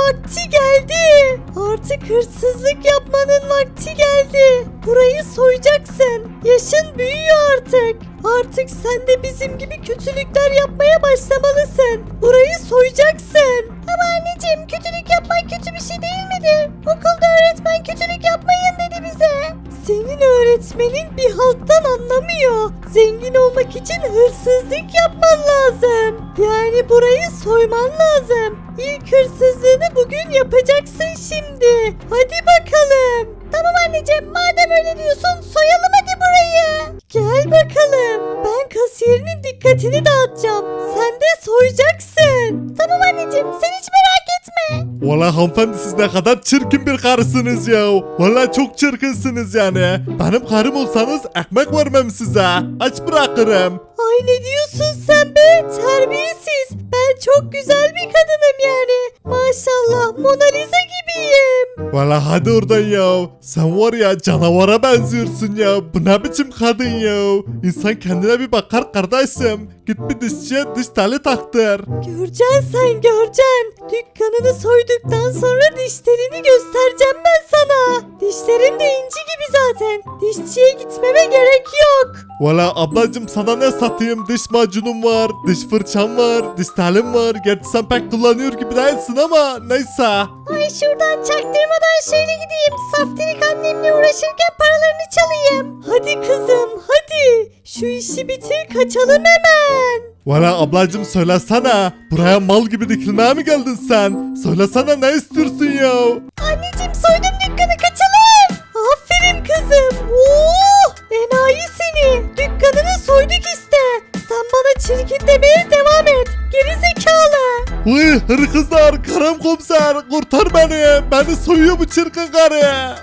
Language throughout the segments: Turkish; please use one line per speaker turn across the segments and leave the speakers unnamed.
vakti geldi. Artık hırsızlık yapmanın vakti geldi. Burayı soyacaksın. Yaşın büyüyor artık. Artık sen de bizim gibi kötülükler yapmaya başlamalısın. Burayı soyacaksın. Ama anneciğim, kötülük yapmak kötü bir şey değil midir? Okulda öğretmen kötülük yapmayın dedi bize. Senin öğretmenin bir halttan anlamıyor. Zengin olmak için hırsızlık yapman lazım. Yani burayı soyman lazım. İlk hırsızlığını bugün yapacaksın şimdi. Hadi bakalım. Tamam anneciğim, madem öyle diyorsun soyalım hadi burayı. Gel bakalım. Ben kasiyerinin dikkatini dağıtacağım. Sen de soyacaksın. Tamam anneciğim, sen hiç merak etme.
Valla hanımefendi siz ne kadar çirkin bir karısınız ya. Valla çok çirkinsiniz yani. Benim karım olsanız ekmek vermem size. Aç bırakırım.
Ay ne diyorsun sen be, terbiyesiz. Ben çok güzel bir kadınım yani. Maşallah, Mona Lisa gibiyim.
Valla hadi oradan ya. Sen var ya canavara benziyorsun ya. Bu ne biçim kadın ya. İnsan kendine bir bakar kardeşim. Git bir dişçiye diş teli taktır.
Göreceksin sen, göreceksin. Dükkanını soyduktan sonra dişlerini göstereceğim ben sana. Dişlerim de inci gibi zaten. Dişçiye gitmeme gerek yok.
Valla ablacım sana ne satayım? Diş macunum var, diş fırçam var, diş telim var. Gerçi sen pek kullanıyor gibi değilsin ama neyse.
Ay şuradan çaktırmadan şöyle gideyim. Saftirik annemle uğraşırken paralarını çalayım. Hadi kızım hadi. Şu işi bitir, kaçalım hemen.
Valla ablacım söylesene. Buraya mal gibi dikilmeye mi geldin sen? Söylesene ne istiyorsun ya?
Anneciğim, soydum dükkanı, kaçalım. Aferin kızım. Oh, enayi seni. Dükkanını soyduk işte. Sen bana çirkin demeye devam et. Geri zekalı.
Vay hırkızlar, karım komiser kurtar beni. Beni soyuyor bu çirkin karı.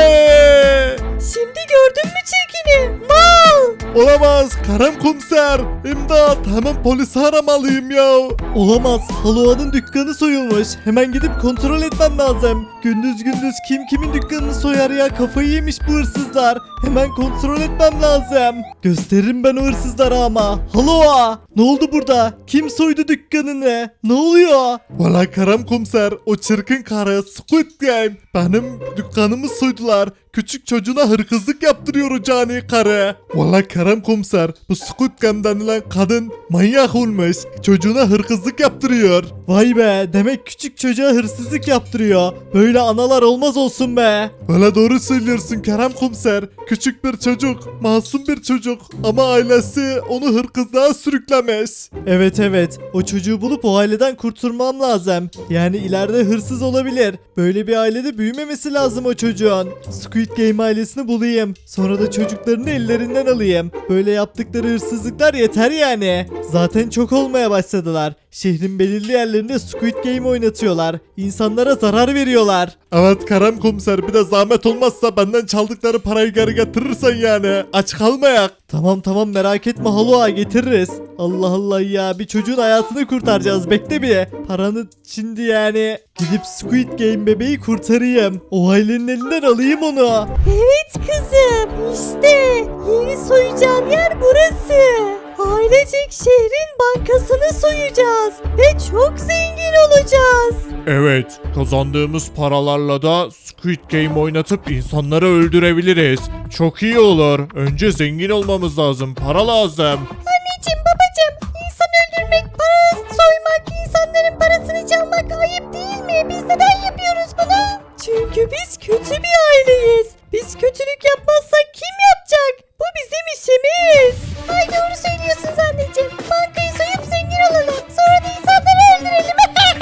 Vay.
Şimdi gördün mü çirkini? Mal.
Olamaz karım komiser. İmdat, hemen polisi aramalıyım ya.
Olamaz. Halua'nın dükkanı soyulmuş. Hemen gidip kontrol etmem lazım. Gündüz gündüz kim kimin dükkanını soyar ya? Kafayı yemiş bu hırsızlar. Hemen kontrol etmem lazım. Gösteririm ben o hırsızlara ama. Halua! Ne oldu burada? Kim soydu dükkanını? Ne oluyor?
Valla karım komiser, o çirkin karı Squid Game benim dükkanımı soydular. Küçük çocuğuna hırkızlık yaptırıyor o cani karı. Valla karım komiser, bu Squid Game denilen kadın manyak olmuş. Çocuğuna hırkızlık yaptırıyor.
Vay be, demek küçük çocuğa hırsızlık yaptırıyor. Böyle analar olmaz olsun be.
Valla doğru söylüyorsun Kerem komiser. Küçük bir çocuk, masum bir çocuk ama ailesi onu hırkızlığa sürüklemiş.
Evet, o çocuğu bulup o aileden kurtulmam lazım. Yani ileride hırsız olabilir. Böyle bir ailede büyümemesi lazım o çocuğun. Squid Game ailesini bulayım. Sonra da çocuklarını ellerinden alayım. Böyle yaptıkları hırsızlıklar yeter yani. Zaten çok olmaya başladılar. Şehrin belirli yerlerinde Squid Game oynatıyorlar. İnsanlara zarar veriyorlar.
Evet Kerem komiser, bir de zahmet olmazsa benden çaldıkları parayı geri getirirsen yani. Aç kalmayak.
Tamam merak etme Halua, getiririz. Allah Allah ya, bir çocuğun hayatını kurtaracağız, bekle bir. Paranı şimdi yani gidip Squid Game bebeği kurtarayım. O ailenin elinden alayım onu.
Evet kızım, işte yeni soyacağın yer burası. Ailecek şehrin bankasını soyacağız ve çok zengin olacağız.
Evet, kazandığımız paralarla da Squid Game oynatıp insanları öldürebiliriz. Çok iyi olur. Önce zengin olmamız lazım. Para lazım.
Anneciğim, babacığım, insan öldürmek, para soymak, insanların parasını çalmak ayıp değil mi? Biz neden yapıyoruz bunu? Çünkü biz kötü bir aileyiz. Biz kötülük yapmazsak kim yapacak? Bu bizim işimiz. Ay doğru söylüyorsunuz anneciğim. Bankayı soyup zengin olalım. Sonra da insanları öldürelim.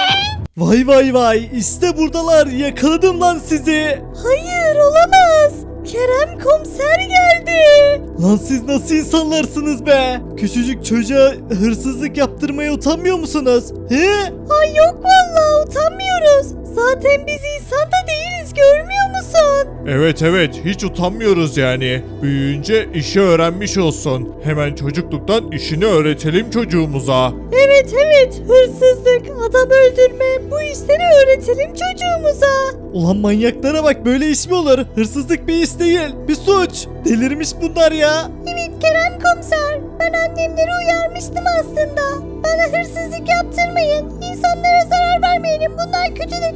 Vay, işte buradalar, yakaladım lan sizi.
Hayır, olamaz. Kerem komiser geldi.
Lan siz nasıl insanlarsınız be? Küçücük çocuğa hırsızlık yaptırmaya utanmıyor musunuz? He?
Ay yok vallahi, utanmıyoruz. Zaten biz insan da değiliz, görmüyor musun?
Evet, hiç utanmıyoruz yani. Büyüyünce işi öğrenmiş olsun. Hemen çocukluktan işini öğretelim çocuğumuza.
Evet, hırsızlık, adam öldürme, bu işleri öğretelim çocuğumuza.
Ulan manyaklara bak, böyle iş mi olur? Hırsızlık bir iş değil, bir suç. Delirmiş bunlar ya.
Evet Kerem komiser, ben annemleri uyarmıştım aslında. Bana hırsızlık yaptırmayın, insanlara zarar vermeyelim, bunlar kötü dedim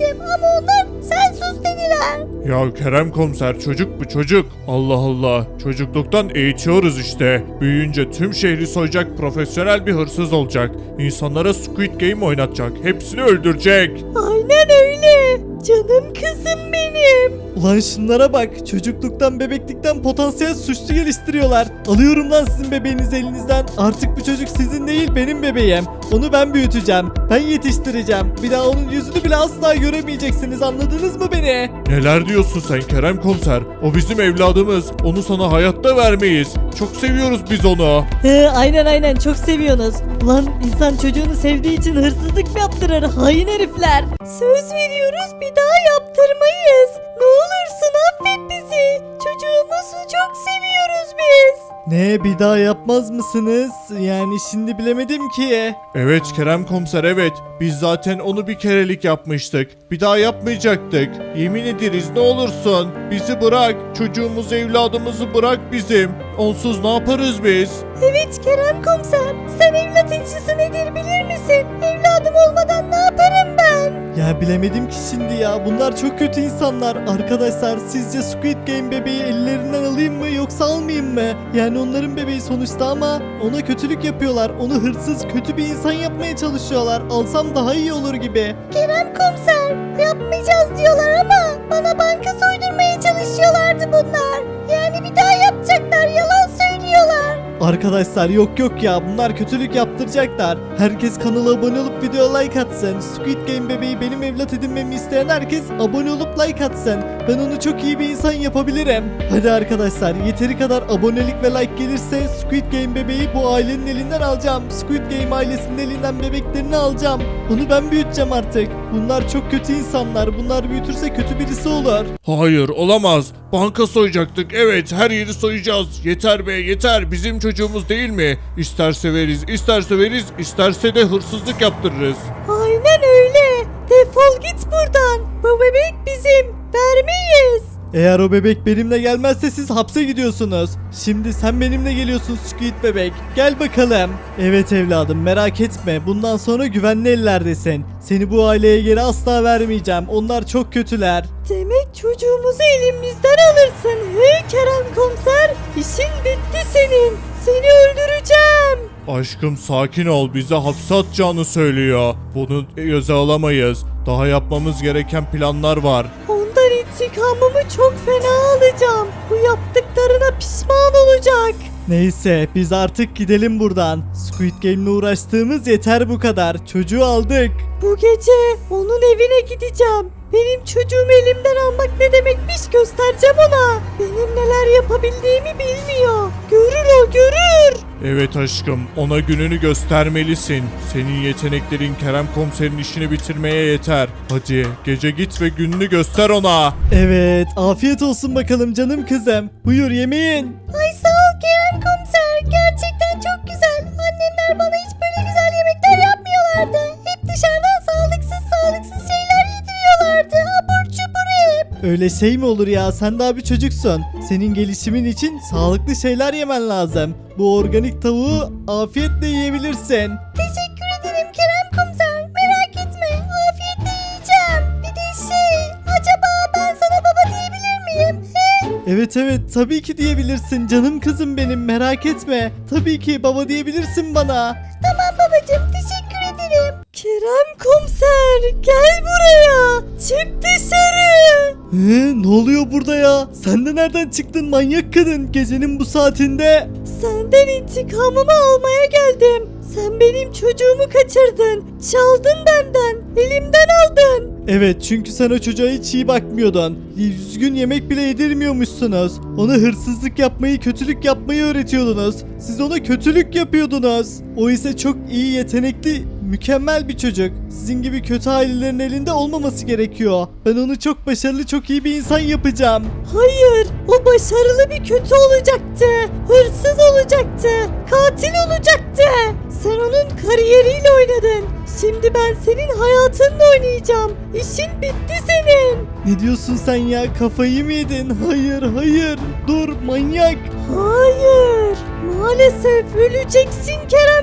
dedim ama onlar sen sus dediler.
Ya Kerem komiser çocuk bu çocuk. Allah Allah. Çocukluktan eğitiyoruz işte. Büyüyünce tüm şehri soyacak profesyonel bir hırsız olacak. İnsanlara Squid Game oynatacak. Hepsini öldürecek.
Aynen öyle. Canım kızım benim.
Ulan şunlara bak. Çocukluktan bebeklikten potansiyel suçlu geliştiriyorlar. Alıyorum lan sizin bebeğinizi elinizden. Artık bu çocuk sizin değil benim bebeğim. Onu ben büyüteceğim. Ben yetiştireceğim. Bir daha onun yüzünü bile asla göremeyeceksiniz. Anladınız mı beni?
Neler diyorsun sen Kerem komiser? O bizim evladımız. Onu sana hayatta vermeyiz. Çok seviyoruz biz onu.
Aynen çok seviyorsunuz. Ulan insan çocuğunu sevdiği için hırsızlık mı yaptırır hain herifler? Söz veriyoruz bir daha yaptırmayız. Ne olursun affet bizi. Çocuğumuzu çok seviyoruz biz.
Ne, bir daha yapmaz mısınız? Yani şimdi bilemedim ki.
Evet Kerem komiser evet. Biz zaten onu bir kerelik yapmıştık. Bir daha yapmayacaktık. Yemin ederiz ne olursun. Bizi bırak. Çocuğumuzu evladımızı bırak bizim. Onsuz ne yaparız biz?
Evet Kerem komiser. Sen evlat incisi nedir bilir misin? Evladım olmadan ne yaparım ben?
Ya bilemedim ki şimdi ya. Bunlar çok kötü insanlar. Arkadaşlar sizce Squid Game bebeği ellerinden alayım mı yoksa almayayım mı? Yani onların bebeği sonuçta ama ona kötülük yapıyorlar. Onu hırsız, kötü bir insan yapmaya çalışıyorlar. Alsam daha iyi olur gibi.
Kerem komiser yapmayacağız diyorlar ama bana banka soydurmaya çalışıyorlardı bunlar. Yani bir daha yapacaklar yalan söylüyorlar.
Arkadaşlar yok ya, bunlar kötülük yaptıracaklar. Herkes kanala abone olup video like atsın. Squid Game bebeği benim evlat edinmemi isteyen herkes abone olup like atsın. Ben onu çok iyi bir insan yapabilirim. Hadi arkadaşlar, yeteri kadar abonelik ve like gelirse Squid Game bebeği bu ailenin elinden alacağım. Squid Game ailesinin elinden bebeklerini alacağım. Onu ben büyüteceğim artık. Bunlar çok kötü insanlar. Bunlar büyütürse kötü birisi olur.
Hayır olamaz. Banka soyacaktık. Evet her yeri soyacağız. Yeter be yeter. Bizim çocuğumuz değil mi? İsterse veririz, isterse veririz, isterse de hırsızlık yaptırırız.
Aynen öyle. Defol git buradan. Bu bebek bizim. Vermeyiz.
Eğer o bebek benimle gelmezse siz hapse gidiyorsunuz. Şimdi sen benimle geliyorsun Squid bebek. Gel bakalım. Evet evladım, merak etme. Bundan sonra güvenli ellerdesin. Seni bu aileye geri asla vermeyeceğim. Onlar çok kötüler.
Demek çocuğumuzu elimizden alırsın. He Kerem komiser. İşin bitti senin. Seni öldüreceğim.
Aşkım sakin ol. Bize hapse atacağını söylüyor. Bunu göze alamayız. Daha yapmamız gereken planlar var.
Ondan intikamımı çok fena alacağım. Bu yaptıklarına pişman olacak.
Neyse biz artık gidelim buradan. Squid Game'le uğraştığımız yeter bu kadar. Çocuğu aldık.
Bu gece onun evine gideceğim. Benim çocuğumu elimden almak ne demekmiş göstereceğim ona. Benim neler yapabildiğimi bilmiyor. Görür o görür.
Evet aşkım ona gününü göstermelisin. Senin yeteneklerin Kerem komiserin işini bitirmeye yeter. Hadi gece git ve gününü göster ona.
Evet, afiyet olsun bakalım canım kızım. Buyur yemeğin.
Ay sağ ol Kerem komiser. Gerçekten çok güzel. Annemler bana hiç böyle güzel yemekler yapmıyorlardı. Hep dışarıdan sağlıksız şeyler yediriyorlardı. Abur cubur hep.
Öyle şey mi olur ya? Sen daha bir çocuksun. Senin gelişimin için sağlıklı şeyler yemen lazım. Bu organik tavuğu afiyetle yiyebilirsin.
Teşekkür ederim Kerem komiser. Merak etme. Afiyetle yiyeceğim. Bir de acaba ben sana baba diyebilir miyim? He?
Evet tabii ki diyebilirsin canım kızım benim, merak etme. Tabii ki baba diyebilirsin bana.
Tamam babacığım teşekkür ederim. Kerem komiser gel buraya. Çık dışarı.
Ne oluyor burada ya? Sen de nereden çıktın manyak kadın gecenin bu saatinde?
Senden intikamımı almaya geldim. Sen benim çocuğumu kaçırdın. Çaldın benden. Elimden aldın.
Evet, çünkü sen o çocuğa hiç iyi bakmıyordun. Düzgün yemek bile yedirmiyormuşsunuz. Ona hırsızlık yapmayı, kötülük yapmayı öğretiyordunuz. Siz ona kötülük yapıyordunuz. O ise çok iyi, yetenekli, mükemmel bir çocuk. Sizin gibi kötü ailelerin elinde olmaması gerekiyor. Ben onu çok başarılı, çok iyi bir insan yapacağım.
Hayır, o başarılı bir kötü olacaktı. Hırsız olacaktı. Katil olacaktı. Sen onun kariyeriyle oynadın. Şimdi ben senin hayatınla oynayacağım. İşin bitti senin.
Ne diyorsun sen ya? Kafayı mı yedin? Hayır. Dur manyak.
Hayır. Maalesef öleceksin Kerem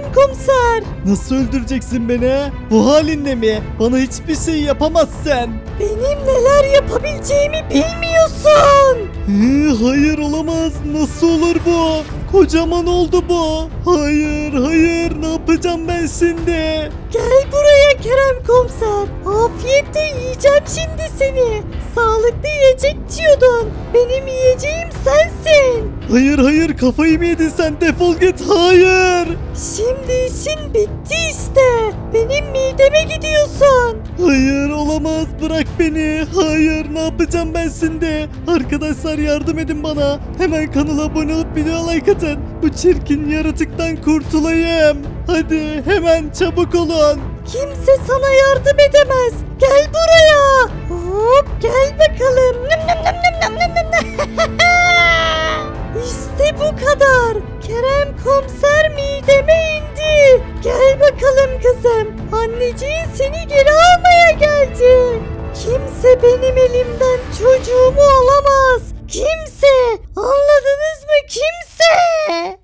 Kerem komiser.
Nasıl öldüreceksin beni ha? Bu halinle mi? Bana hiçbir şey yapamazsın.
Benim neler yapabileceğimi bilmiyorsun.
Hayır olamaz. Nasıl olur bu? Kocaman oldu bu. Hayır hayır ne yapacağım ben şimdi?
Gel buraya Kerem komiser. Afiyetle yiyeceğim şimdi seni. Sağlıklı yiyecek diyordun. Benim yiyeceğim sensin.
Hayır hayır kafayı mı yedin sen? Defol git. Hayır.
Şimdi işin bitti işte. Benim mideme gidiyorsun.
Hayır olamaz bırak beni. Hayır ne yapacağım ben şimdi? Arkadaşlar yardım edin bana. Hemen kanala abone olup video like atın. Bu çirkin yaratıktan kurtulayım. Hadi hemen çabuk olun.
Kimse sana yardım edemez. Gel buraya. Hop gel bakalım. Nım nım nım nım nım nım nım. İşte bu kadar. Kerem komiser mideme indi. Gel bakalım kızım. Anneciğin seni geri almaya geldi. Kimse benim elimden çocuğumu